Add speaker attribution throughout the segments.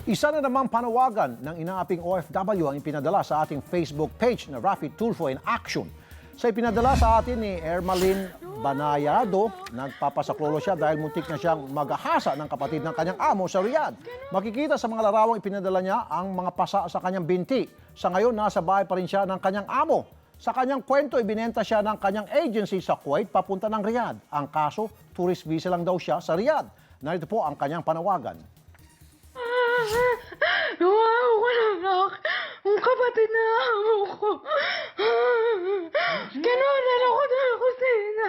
Speaker 1: Isa na namang panawagan ng inaaping OFW ang ipinadala sa ating Facebook page na Rafi Tulfo in Action. Sa ipinadala sa atin ni Ermalyn Banayado, nagpapasaklolo siya dahil muntik na siyang maghahasa ng kapatid ng kanyang amo sa Riyadh. Makikita sa mga larawang ipinadala niya ang mga pasa sa kanyang binti. Sa ngayon, nasa bahay pa rin siya ng kanyang amo. Sa kanyang kwento, ibinenta siya ng kanyang agency sa Kuwait papunta ng Riyadh. Ang kaso, tourist visa lang daw siya sa Riyadh. Narito po ang kanyang panawagan.
Speaker 2: Wow, anak. Ang kapatid na amo ko. Kinunan ako sa kusina.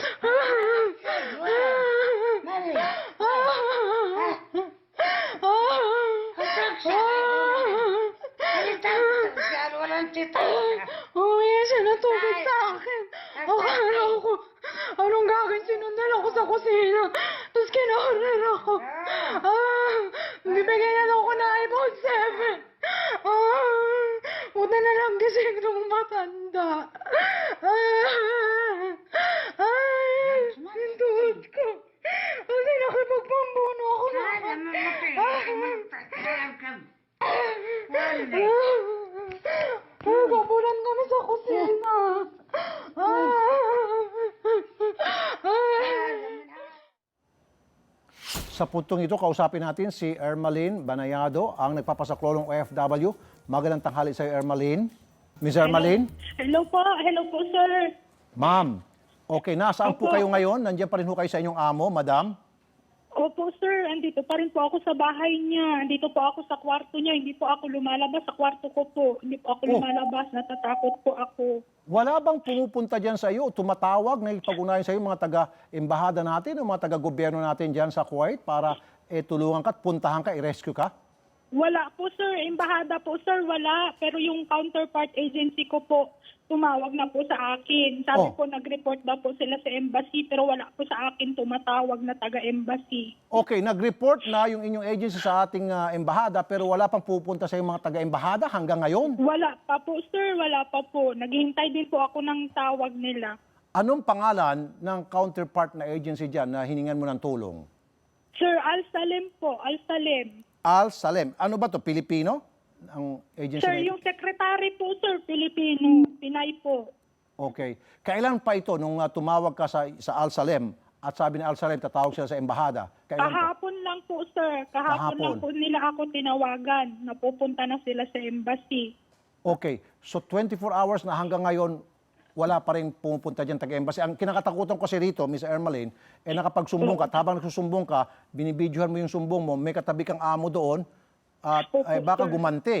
Speaker 2: Humingi siya ng tubig sa akin. Akala ko, anong gagawin? Sinundan ako sa kusina. Tapos kinahanan ako. Bibigyan na ako na iPhone 7. Buta na lang gising nung matanda. Yung tuhod ko. Kasi nakipagpambuno ako na. Kapunan kami sa kusina.
Speaker 1: Sa puntong ito, kausapin natin si Ermalyn Banayado, ang nagpapasaklolong OFW. Magandang tanghali sa iyo, Ermalyn. Miss Ermalyn?
Speaker 3: Hello po, sir.
Speaker 1: Ma'am, okay, nasaan po
Speaker 3: Opo.
Speaker 1: kayo ngayon? Nandiyan pa rin po kayo sa inyong amo, madam?
Speaker 3: Opo, sir. Andito pa rin po ako sa bahay niya. Andito po ako sa kwarto niya. Hindi po ako lumalabas sa kwarto ko po. Hindi po ako lumalabas. Natatakot po ako.
Speaker 1: Wala bang pumupunta dyan sa iyo, tumatawag, nakipag-unayan sa iyo mga taga-embahada natin o mga taga-gobyerno natin dyan sa Kuwait para tulungan ka at puntahan ka, i-rescue ka?
Speaker 3: Wala po, sir. Embahada po, sir. Wala. Pero yung counterpart agency ko po, tumawag na po sa akin. Sabi po, nag-report daw po sila sa embassy, pero wala po sa akin tumatawag na taga-embassy.
Speaker 1: Okay, nag-report na yung inyong agency sa ating embahada pero wala pang pupunta sa iyo mga taga-embahada hanggang ngayon?
Speaker 3: Wala pa po, sir. Wala pa po. Naghihintay din po ako ng tawag nila.
Speaker 1: Anong pangalan ng counterpart na agency dyan na hiningan mo ng tulong?
Speaker 3: Sir, Al-Salem po. Al-Salem.
Speaker 1: Al-Salem. Ano ba to? Pilipino? Ang agency
Speaker 3: Sir,
Speaker 1: na ito?
Speaker 3: yung secretary po, sir, Pilipino. Pinay po.
Speaker 1: Okay. Kailan pa ito nung tumawag ka sa Al-Salem at sabi ni Al-Salem tatawag sila sa embahada? Kailan po?
Speaker 3: Kahapon lang po, sir. Kahapon
Speaker 1: Kahapon.
Speaker 3: lang po nila ako tinawagan. Napupunta na sila sa embassy.
Speaker 1: Okay. So 24 hours na hanggang ngayon, wala pa rin pumupunta dyan taga-embassy. Ang kinakatakutan ko kasi rito, Miss Ermalyn, nakapagsumbong ka, at habang nagsusumbong ka, binibidyohan mo yung sumbong mo, may katabi kang amo doon, at
Speaker 3: Opo,
Speaker 1: baka
Speaker 3: sir.
Speaker 1: gumante.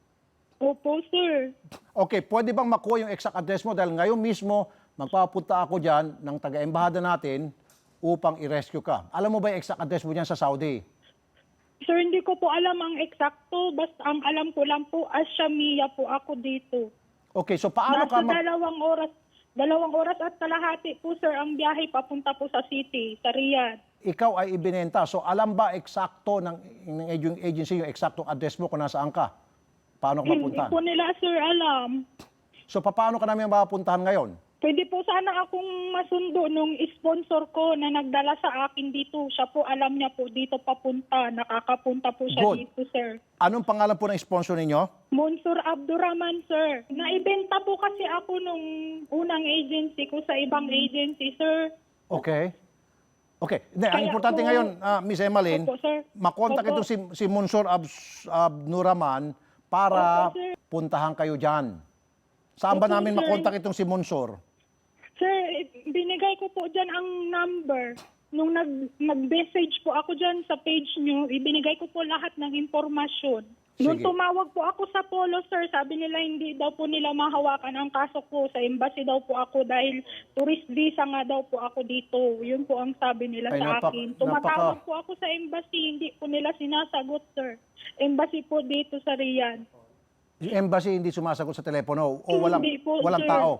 Speaker 3: Opo, sir.
Speaker 1: Okay, pwede bang makuha yung exact address mo? Dahil ngayon mismo, magpapunta ako dyan ng taga-embahada natin upang i-rescue ka. Alam mo ba yung exact address mo dyan sa Saudi?
Speaker 3: Sir, hindi ko po alam ang eksakto. Basta ang alam ko lang po, Ashamia po ako dito.
Speaker 1: Okay, so paano ka...
Speaker 3: Nasa dalawang oras at kalahati po, sir, ang biyahe papunta po sa city, sa Riyadh.
Speaker 1: Ikaw ay ibinenta. So alam ba eksakto ng agency yung eksaktong address mo kung nasaan ka? Paano ka
Speaker 3: Hindi
Speaker 1: mapuntahan?
Speaker 3: po nila, sir, alam.
Speaker 1: So paano ka namin mapuntahan ngayon?
Speaker 3: Pwede po sana akong masundo nung sponsor ko na nagdala sa akin dito. Siya po, alam niya po dito papunta. Nakakapunta po siya
Speaker 1: Good.
Speaker 3: dito, sir.
Speaker 1: Anong pangalan po ng sponsor ninyo?
Speaker 3: Monsur Abdurrahman, sir. Naibenta po kasi ako nung unang agency ko sa ibang agency, sir.
Speaker 1: Okay. Okay. Hindi, ang
Speaker 3: Kaya
Speaker 1: importante
Speaker 3: po-
Speaker 1: ngayon, Miss Emmeline,
Speaker 3: Opo, sir.
Speaker 1: makontak
Speaker 3: Opo.
Speaker 1: itong si Monsur Abnuraman para
Speaker 3: Opo, sir.
Speaker 1: puntahan kayo dyan. Saan ba
Speaker 3: Opo,
Speaker 1: namin
Speaker 3: sir.
Speaker 1: makontak itong si Monsur?
Speaker 3: Sir, binigay ko po dyan ang number. Nung nag-message po ako dyan sa page nyo, ibinigay ko po lahat ng impormasyon. Nung
Speaker 1: Sige.
Speaker 3: tumawag po ako sa Polo, sir, sabi nila hindi daw po nila mahawakan ang kaso ko. Sa embassy daw po ako dahil tourist visa nga daw po ako dito. Yun po ang sabi nila
Speaker 1: Ay,
Speaker 3: sa akin. Tumatawag po ako sa embassy, hindi po nila sinasagot, sir. Embassy po dito sa Riyadh.
Speaker 1: Yung embassy hindi sumasagot sa telepono o walang,
Speaker 3: Hindi po,
Speaker 1: walang
Speaker 3: sir.
Speaker 1: tao?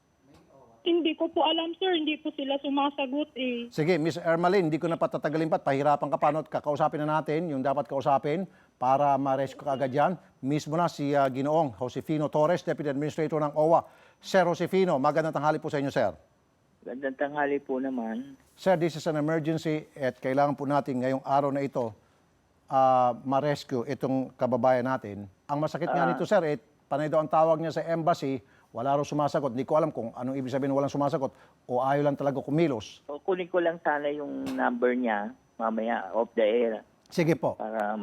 Speaker 3: Hindi ko po alam, sir. Hindi po sila sumasagot eh.
Speaker 1: Sige, Miss Ermalyn, hindi ko na patatagalin pa. Pahirapan ka pa. No? Kakausapin na natin yung dapat kausapin para ma-rescue ka agad yan. Mismo na si Ginoong Josefino Torres, Deputy Administrator ng OWA. Sir Josefino, magandang tanghali po sa inyo, sir.
Speaker 4: Magandang tanghali po naman.
Speaker 1: Sir, this is an emergency at kailangan po natin ngayong araw na ito ma-rescue itong kababayan natin. Ang masakit nga nito, sir, panay daw ang tawag niya sa embassy, wala raw sumasagot. Hindi ko alam kung anong ibig sabihin walang sumasagot o ayaw lang talaga kumilos.
Speaker 4: O, kunin ko lang sana yung number niya mamaya off the air
Speaker 1: Sige po.
Speaker 4: para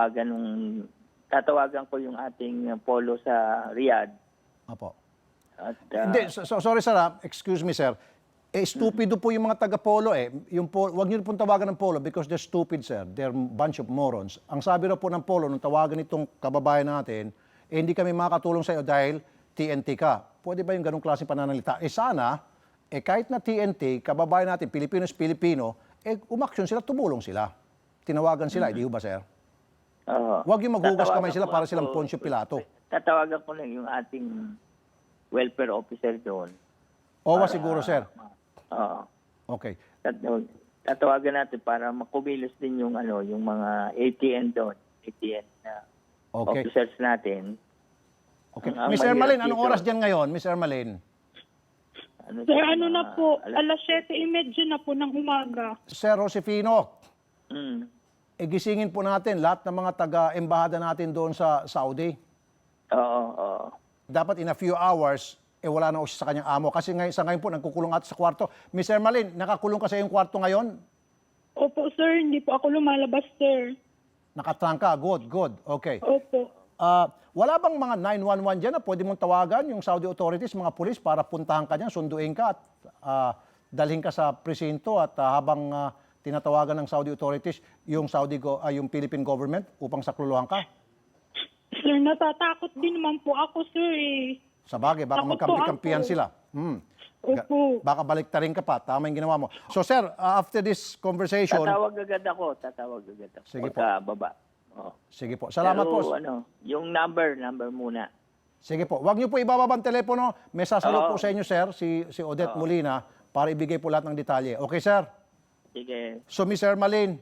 Speaker 4: tatawagan ko yung ating polo sa Riyadh.
Speaker 1: Apo.
Speaker 4: At
Speaker 1: Hindi, sorry sir, excuse me sir. Stupido po yung mga taga-polo wag niyo pong tawagan ng polo because they're stupid sir. They're bunch of morons. Ang sabi raw po ng polo nung tawagan itong kababayan natin, hindi kami makakatulong sa iyo dahil TNT ka. Pwede ba yung ganung klaseng pananalita? Sana, kahit na TNT, kababayan natin, Pilipinos-Pilipino, umaksyon sila, tumulong sila. Tinawagan sila, hindi ba sir? Wag yung maghugas kamay sila para silang Poncio Pilato.
Speaker 4: Tatawagan ko lang yung ating welfare officer doon.
Speaker 1: Owa siguro sir.
Speaker 4: Oo.
Speaker 1: Okay.
Speaker 4: Tatawagan natin para makumilos din yung yung mga ATN doon, ATN na
Speaker 1: Okay.
Speaker 4: officers natin.
Speaker 1: Okay.
Speaker 4: Ang
Speaker 1: Miss
Speaker 4: mahirap
Speaker 1: Ermalyn, anong
Speaker 4: dito-
Speaker 1: oras diyan ngayon, Miss Ermalyn?
Speaker 3: Sir, na po, alas 7:30 na po ng umaga.
Speaker 1: Sir Josefino,
Speaker 4: Mm.
Speaker 1: gisingin po natin lahat ng mga taga-embahada natin doon sa Saudi.
Speaker 4: Oo.
Speaker 1: Dapat in a few hours, wala na siya sa kanyang amo. Kasi sa ngayon po, nagkukulong ato sa kwarto. Miss Ermalyn, nakakulong ka sa iyong kwarto ngayon?
Speaker 3: Opo, sir. Hindi po ako lumalabas, sir.
Speaker 1: Nakatrangka? Good. Okay.
Speaker 3: Opo.
Speaker 1: Wala bang mga 911 dyan na pwede mong tawagan yung Saudi authorities, mga pulis, para puntahan ka dyan, sunduin ka at dalhin ka sa presinto at habang tinatawagan ng Saudi authorities yung yung Philippine government upang sakluluhan ka?
Speaker 3: Sir, natatakot din naman po ako, sir.
Speaker 1: Sa bagay, baka
Speaker 3: Takot po
Speaker 1: magkampi-kampihan
Speaker 3: ako.
Speaker 1: sila.
Speaker 3: Opo.
Speaker 1: Baka baliktarin ka pa. Tama yung ginawa mo. So sir, after this conversation...
Speaker 4: Tatawag agad ako.
Speaker 1: Sige po.
Speaker 4: Pagkababa. Oo.
Speaker 1: Sige po. Salamat
Speaker 4: Pero,
Speaker 1: po.
Speaker 4: yung number muna.
Speaker 1: Sige po. Huwag niyo po ibababa ang telepono. May sasalot
Speaker 4: Oo.
Speaker 1: po sa inyo, sir, si Odette Molina, para ibigay po lahat ng detalye. Okay, sir?
Speaker 4: Sige.
Speaker 1: So, Miss Ermalyn,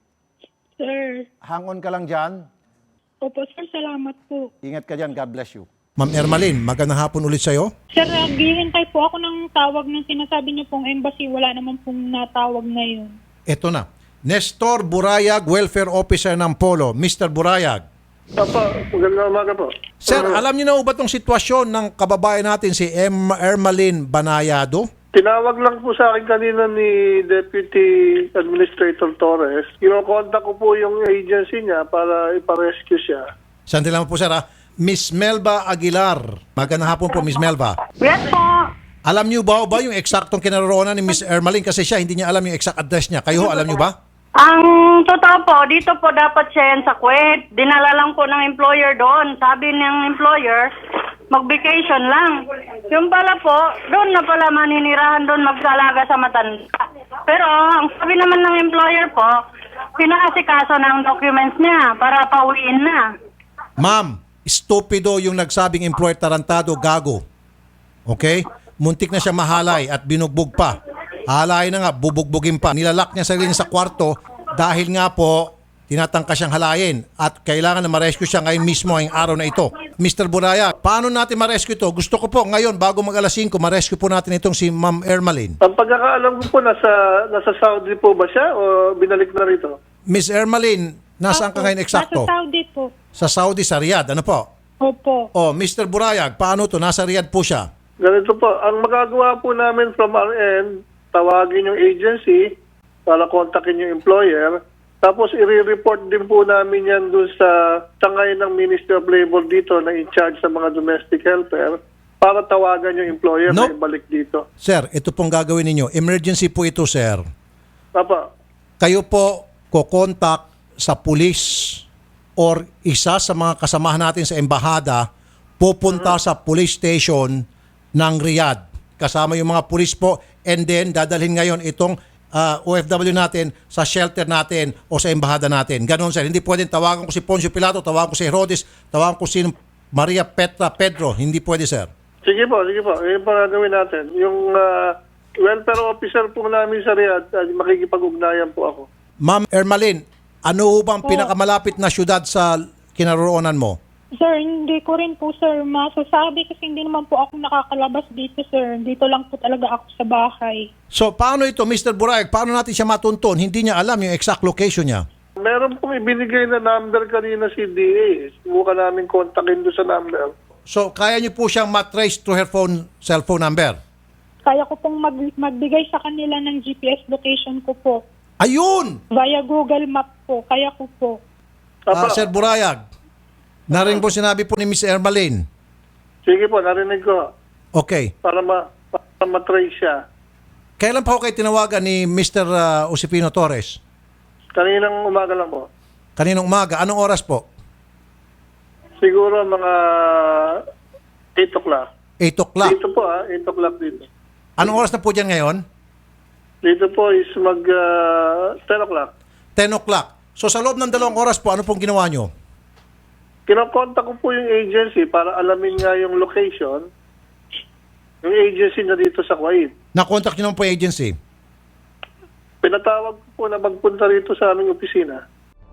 Speaker 3: Sir.
Speaker 1: hang on ka lang dyan.
Speaker 3: Opo, sir. Salamat po.
Speaker 1: Ingat ka dyan. God bless you. Ma'am Ermalyn, magandang hapon ulit sa'yo.
Speaker 3: Sir, naghihintay po ako ng tawag ng sinasabi niyo pong embassy. Wala naman pong natawag ngayon.
Speaker 1: Ito na. Nestor Burayag, Welfare Officer ng Polo. Mr. Burayag.
Speaker 5: Opo, magandang umaga po.
Speaker 1: Sir, alam niyo na ba itong sitwasyon ng kababayan natin si Ermalyn Banayado?
Speaker 5: Tinawag lang po sa akin kanina ni Deputy Administrator Torres. Kinokontak ko po yung agency niya para iparescue siya.
Speaker 1: Sandali lang po, sir. Miss Melba Aguilar. Magandang hapon po, Miss Melba.
Speaker 2: Yes po.
Speaker 1: Alam niyo ba yung eksaktong kinaroroonan ni Miss Ermalyn? Kasi siya, hindi niya alam yung exact address niya. Kayo, alam niyo ba?
Speaker 2: Ang totoo po, dito po dapat siya yan sa Kuwait. Dinala lang po ng employer doon. Sabi ng employer, mag-vacation lang. Yung pala po, doon na pala maninirahan doon magsalaga sa matanda. Pero ang sabi naman ng employer po, pinaasikaso ng documents niya para pauwiin na.
Speaker 1: Ma'am, stupido yung nagsabing employer, tarantado, gago. Okay? Muntik na siya mahalay at binugbog pa. Halayin na nga, bubugbugin pa. Nilalak niya sarili niya sa kwarto dahil nga po tinatangka siyang halayin at kailangan na ma-rescue siya ngayon mismo ang araw na ito. Mr. Buraya, paano natin ma-rescue ito? Gusto ko po ngayon, bago mag-alas 5, ma-rescue po natin itong si Ma'am Ermalyn.
Speaker 5: Ang pagkakaalam ko po, nasa Saudi po ba siya o binalik na rito?
Speaker 1: Miss Ermalyn, nasaan ka ngayon eksakto?
Speaker 3: Nasa Saudi po.
Speaker 1: Sa Saudi, sa Riyadh. Ano po?
Speaker 3: Opo.
Speaker 1: Oh, Mr. Burayag, paano to? Nasa Riyadh po siya.
Speaker 5: Ganito po, ang magagawa po namin from our end, tawagin yung agency para kontakin yung employer. Tapos i-report din po namin yan doon sa tangay ng Ministry of Labor dito na in charge sa mga domestic helper para tawagan yung employer
Speaker 1: No.
Speaker 5: na ibalik dito.
Speaker 1: Sir, ito pong gagawin ninyo. Emergency po ito, sir.
Speaker 5: Papa,
Speaker 1: Kayo po kokontak sa pulis or isa sa mga kasamahan natin sa embahada pupunta sa police station ng Riyadh. Kasama yung mga pulis po and then dadalhin ngayon itong OFW natin sa shelter natin o sa embahada natin. Ganon, sir. Hindi pwedeng tawagan ko si Poncio Pilato, tawagan ko si Herodes, tawagan ko si Maria Petra Pedro. Hindi pwede, sir.
Speaker 5: sige po. Yun po gagawin natin. Yung welfare officer po namin sa Riyadh, makikipag-ugnayan po ako.
Speaker 1: Ma'am Ermalyn, ano ho bang pinakamalapit na syudad sa kinaroroonan mo?
Speaker 3: Sir, hindi ko rin po, sir, masasabi kasi hindi naman po ako nakakalabas dito, sir. Dito lang po talaga ako sa bahay.
Speaker 1: So, paano ito, Mr. Burayag? Paano natin siya matuntun? Hindi niya alam yung exact location niya.
Speaker 5: Meron pong ibinigay na number kanina si DA. Subukan namin kontakin doon sa number.
Speaker 1: So, kaya niyo po siyang matrace through her cellphone number?
Speaker 3: Kaya ko pong magbigay sa kanila ng GPS location ko po.
Speaker 1: Ayun!
Speaker 3: Via Google Map po. Kaya ko po.
Speaker 1: Sir Burayag, narinig po sinabi po ni Miss Ermaline.
Speaker 5: Sige po, narinig ko.
Speaker 1: Okay.
Speaker 5: Para matrace siya.
Speaker 1: Kailan pa ho kayo tinawagan ni Mr. Josefino Torres?
Speaker 5: Kaninang umaga lang po.
Speaker 1: Kaninong umaga? Anong oras po?
Speaker 5: Siguro mga 8 o'clock.
Speaker 1: 8 o'clock.
Speaker 5: Dito po 8 o'clock dito.
Speaker 1: Anong oras na po dyan ngayon?
Speaker 5: Dito po is 10 o'clock.
Speaker 1: 10 o'clock. So sa loob ng 2 oras po, ano pong ginawa nyo?
Speaker 5: Kinokontak ko po yung agency para alamin nga yung location. Yung agency na dito sa Kuwait.
Speaker 1: Na-contact nyo naman po yung agency?
Speaker 5: Pinatawag ko po na magpunta rito sa aming opisina.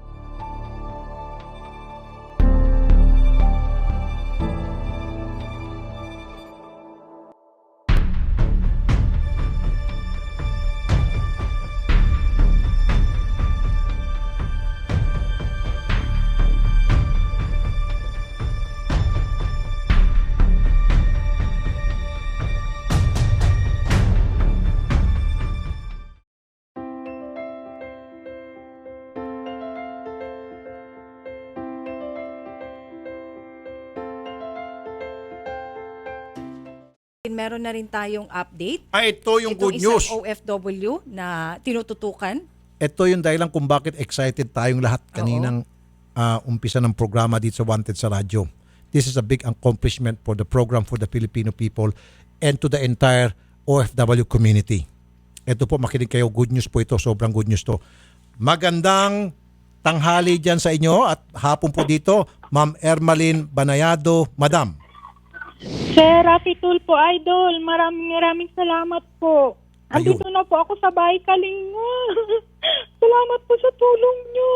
Speaker 6: Meron na rin tayong update.
Speaker 1: Ito yung good
Speaker 6: Itong
Speaker 1: news.
Speaker 6: isang OFW na tinututukan.
Speaker 1: Ito yung dahilan kung bakit excited tayong lahat kaninang umpisa ng programa dito sa Wanted sa radyo. This is a big accomplishment for the program for the Filipino people and to the entire OFW community. Ito po, makinig kayo. Good news po ito. Sobrang good news to. Magandang tanghali dyan sa inyo at hapon po dito, Ma'am Ermaline Banayado. Madam.
Speaker 3: Sir Rafi Tulfo, Idol, maraming salamat po.
Speaker 1: Ayun.
Speaker 3: Andito na po ako sa bahay Kalinga. Salamat po sa tulong nyo.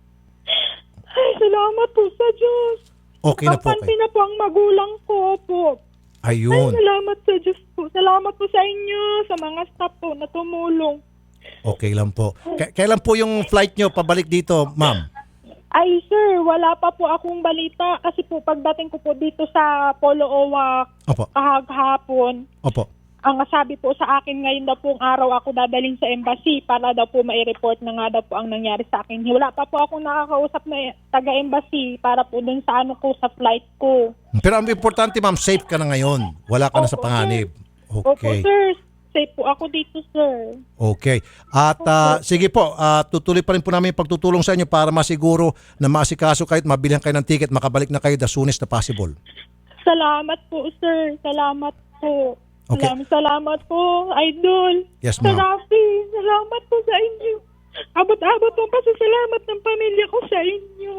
Speaker 3: Ay, salamat po sa Diyos.
Speaker 1: Okay na po
Speaker 3: Kapansin na po ang magulang ko po. Ay,
Speaker 1: Ayun.
Speaker 3: salamat sa Diyos po. Salamat po sa inyo, sa mga staff po na tumulong.
Speaker 1: Okay lang po. Kailan po yung flight nyo pabalik dito, ma'am?
Speaker 3: Ay, sir, wala pa po akong balita kasi po pagdating ko po dito sa Polo Owa
Speaker 1: Opo.
Speaker 3: kahapon,
Speaker 1: Opo.
Speaker 3: ang sabi po sa akin ngayon daw pong araw ako dadaling sa embassy para daw po mai-report na nga daw po ang nangyari sa akin. Wala pa po akong nakakausap na taga-embassy para po dun sa ano ko, sa flight ko.
Speaker 1: Pero ang importante, ma'am, safe ka na ngayon. Wala ka na sa
Speaker 3: Opo,
Speaker 1: panganib.
Speaker 3: Opo,
Speaker 1: Okay.
Speaker 3: sir. Safe po ako dito, sir.
Speaker 1: Okay. At sige po, tutuloy pa rin po namin yung pagtutulong sa inyo para masiguro na maasikaso kayo at mabilhan kayo ng ticket, makabalik na kayo the soonest na possible.
Speaker 3: Salamat po, sir. Salamat po.
Speaker 1: Okay.
Speaker 3: Salamat po, Idol.
Speaker 1: Yes,
Speaker 3: Sir
Speaker 1: ma'am.
Speaker 3: Rafi, salamat po sa inyo. Abot-abot po pasasalamat ng pamilya ko sa inyo.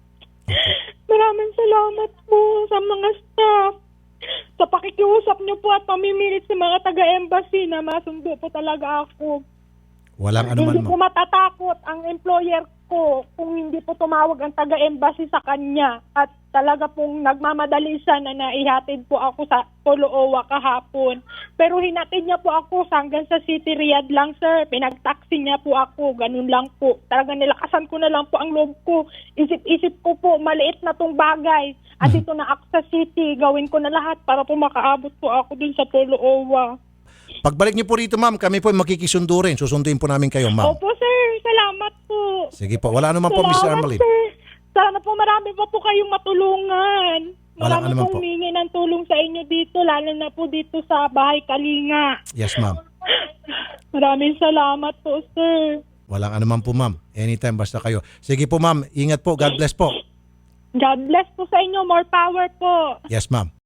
Speaker 3: Maraming salamat po sa mga staff. Sa pakikiusap niyo po at pamimilit sa mga taga-embassy na masundo po talaga ako.
Speaker 1: Walang anuman,
Speaker 3: Hindi po
Speaker 1: ma'am.
Speaker 3: matatakot ang employer ko kung hindi po tumawag ang taga-embassy sa kanya. At talaga pong nagmamadali siya na naihatid po ako sa Polo Owa kahapon. Pero hinatid niya po ako hanggang sa City Riyadh lang, sir. Pinag-taxi niya po ako. Ganun lang po. Talaga nilakasan ko na lang po ang loob ko. Isip-isip ko po, maliit na tong bagay. At dito na ako sa city. Gawin ko na lahat para po makaabot po ako dun sa Polo Owa.
Speaker 1: Pagbalik niyo po rito, ma'am, kami po ay makikisundo rin. Susunduin po namin kayo, ma'am.
Speaker 3: Opo, sir. Salamat po.
Speaker 1: Sige po. Wala naman po, Mr.
Speaker 3: Salamat,
Speaker 1: Ermaline.
Speaker 3: sir. Sana po marami pa po kayong matulungan.
Speaker 1: Walang
Speaker 3: Marami
Speaker 1: anuman
Speaker 3: pong
Speaker 1: po.
Speaker 3: humingi ng tulong sa inyo dito, lalo na po dito sa Bahay Kalinga.
Speaker 1: Yes, ma'am.
Speaker 3: Maraming salamat po, sir.
Speaker 1: Walang anuman po, ma'am. Anytime basta kayo. Sige po, ma'am. Ingat po. God bless po.
Speaker 3: God bless po sa inyo. More power po.
Speaker 1: Yes, ma'am.